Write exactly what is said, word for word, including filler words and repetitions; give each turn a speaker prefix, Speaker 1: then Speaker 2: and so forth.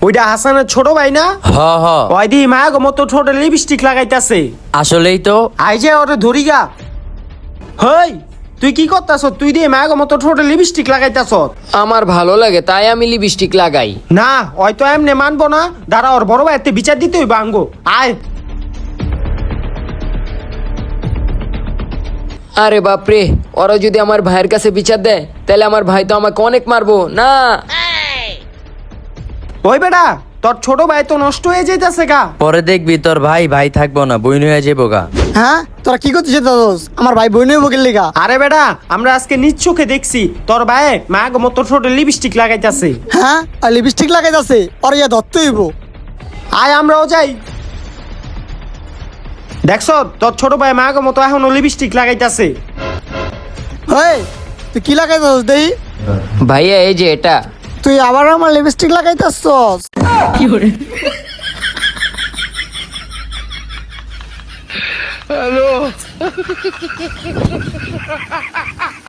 Speaker 1: ওইটা হাসানের ছোট ভাই না?
Speaker 2: হ হ
Speaker 1: ওই দি মায়া মতো ছোট লিপস্টিক লাগাইতাছে।
Speaker 2: আসলেই তো।
Speaker 1: আই যে ওরে ধরি গা। হই তুই কি করতাছ? তুই দিয়ে মায়া মতো ছোট লিপস্টিক লাগাইতাছ।
Speaker 3: আমার ভালো লাগে তাই আমি লিপস্টিক লাগাই।
Speaker 1: না ওই তো এমনি মানবো না, দাঁড়া ওর বড় ভাইতে বিচার দিতে হইব আঙ্গো। আয়
Speaker 3: আরে বাপরে, ওরা যদি আমার ভাইয়ের কাছে বিচার দেয় তাহলে আমার ভাই তো আমাকে অনেক মারবো না।
Speaker 1: ওই বেটা তোর ছোট ভাই তো নষ্ট হয়ে যাইতাছে গা।
Speaker 2: পরে দেখবি তোর ভাই ভাই থাকবো না, বইন হয়ে যাবো গা।
Speaker 4: হ্যাঁ তোরা কি করছিস দাদোস? আমার ভাই বই নেই বকির লিগা।
Speaker 1: আরে বেটা আমরা আজকে নিজ চোখে দেখছি তোর ভাই মায়া মতো ছোট লিপস্টিক লাগাইতাছে।
Speaker 4: হ্যাঁ আর লিপস্টিক লাগাই যাচ্ছে, ওর ইয়া ধরতে হইব।
Speaker 1: আয় আমরাও যাই। দেখছ তোর ছোট ভাই মায়া মতো এখনো লিপস্টিক লাগাইতাছে।
Speaker 4: হেই তুই কি লাগাই যাচ্ছ দেই?
Speaker 3: ভাইয়া এই যে এটা।
Speaker 4: তুই আবার আমার লিপস্টিক লাগাইতাছস?